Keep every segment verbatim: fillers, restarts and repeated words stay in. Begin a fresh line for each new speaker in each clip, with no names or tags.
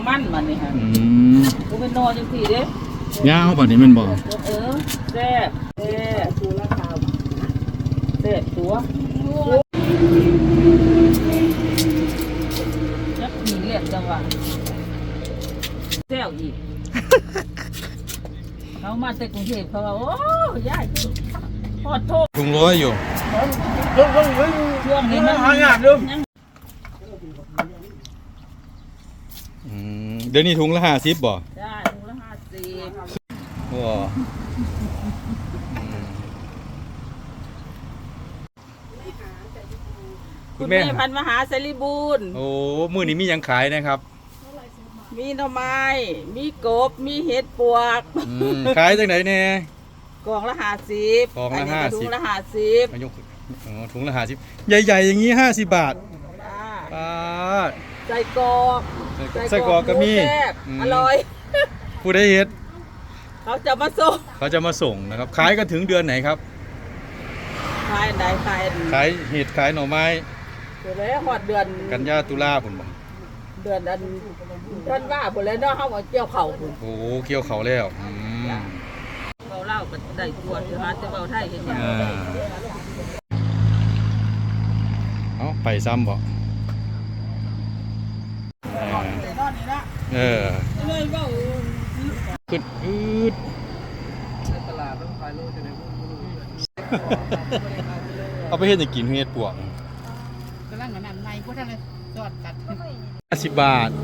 มันมันนี่ฮะอืมกูเป็นนอจังสี่เด้
ยาวป่ะนี่มันบอก
เออแซ่บแซ่บตัวละคาวแซ่บตัวจักมีเลียดจังหวะแซ่บอีกเขามาจากกรุงเทพเขาว่าโอ้ยายพอดโทษ
ถุงร้อยอยู่
ช่วงนี้มันหายากเลย
เดี๋ยวนี้ถุงละห้าสิบบ่
ได้ถุงละห้าสิบ
ว้า
คุณแม่พันมหาสรีบูรณ์
โอ้มื้อนี้มียังขายนะครับ
มีหน่อไม้มีกบมีเห็ดปวก
ขายจังไหนแน่
กล่องละห้าสิบ
กล่องละห้าสิบถุ
งละห้าสิบ
ถุงละห้าสิบใหญ่ๆอย่างนี้ห้าสิบบาทป้า
ใส่กรอก
ใส่กรอกก็มี
อร่อย
ผู้ได้เห็ด
เขาจะมาส่ง
เขาจะมาส่งนะครับขายกันถึงเดือนไหนครับ
ขายไหนขาย
ขายเห็ดขายหน่อไม้
เดือนแล้วหอดเดือน
กันยาตุลาผมบอก
เดือนอันท่านว่าผมเลยเนาะเขามาเกี่ยวเข่าผม
โอ้เกี่ยวเข่าแล้ว
เขาเล่ากันได้ตัวเดี๋ยวหาจะเบาไทยเห็นยัง
เอาไปซ้ำบ่เออขึ้นอืดตลาดต้องขายโลจะไหนเอาไปเฮ็ดให้กินเฮ็ดปวก
กำลังอันนั้นในพวกท่านเลยจอดตัด
ห้าสิบบาท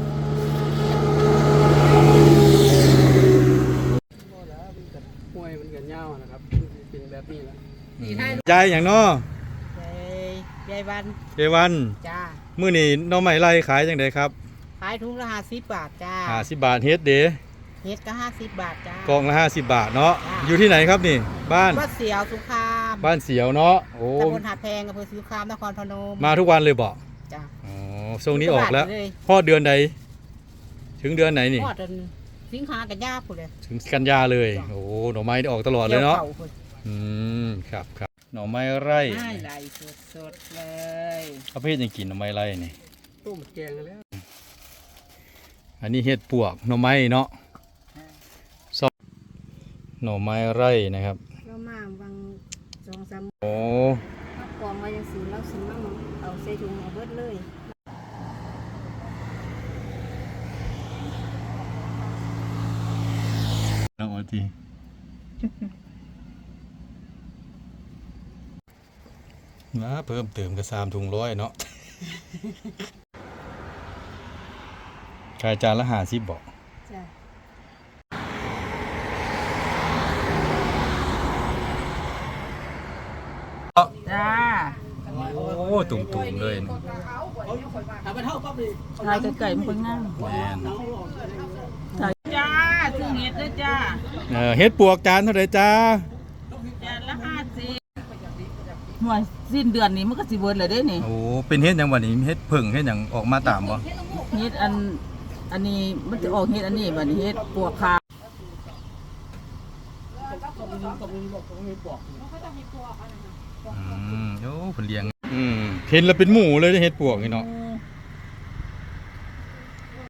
ห้วยมันกันยาวนะครับเป็นแบบนี้แล้ว
ยายอย่างน้อย
ายวัน
ยายวัน
จ้า
มื้อนี้น้องใหม่ไล่ขายจังไดครับ
ขายถุงละห้าสิบบาทจ้า
ห้าสิบบาทเฮ็ดเด้
เฮ็ดก็ห้าสิบบาทจ้าก
ล่องละห้าสิบบาทเนาะอยู่ที่ไหนครับนี่บ้าน
บ้านเสียวสุขาม
บ้านเสียวเนาะโอ้
ตำบลหาดแพงอำเภอสุขามนครพนม
มาทุกวันเลยบ่
จ้า
อ๋อช่วงนี้ออกแล้วพอเดือนใดถึงเดือนไหนนี่
พอเดือนสิงหากันยาพุ่นเลย
ถึงกันยาเลยโอ้หน่อไม้ออกตลอดเลยเนาะอืมครับครับหน่อไม้ไร่
ไร่สดๆเลย
เอาไปเฮ็ดยังกินหน่อไม้ไร่นี่
ต้มแกงแล้ว
อันนี้เห็ดปวกหน่อไม้เนาะซอกหน่อไม้ไร่นะครับ
เรามาบางสองสาม
โอ้
กองไว้ยังสีแล้วสีมั่งเอาใส่ถุงเอาเบิดเลย
น้องอทีนะเพิ่มเติมกระซามถุงร้อยเนาะขายจานละห้าสิบบอก
จ้า
โอ้ตุ่มๆเลย
ทายไก่ๆมันคนง่ายจ้าซื้อเห็ดด้วยจ้า
เห็ดปวกจานเท่าไหร่จ้า
จานละห้าสิบหน่วยสิ้นเดือนนี้มันก็สิเบิดเลยเด้นี่
โอ้เป็นเห็ดอย่างวันนี้เห็ดผึ่งเห็ดอย่างออกมาตามบ่
เห็ดอันอันนี้มันจะออกเห็ดอันนี้บัดนี้เห็ดปวกขาว
อืมโอ้ผลเลี้ยงอืมเห็นแล้วเป็นหมูเลยเห็ดปวกนี่เนาะ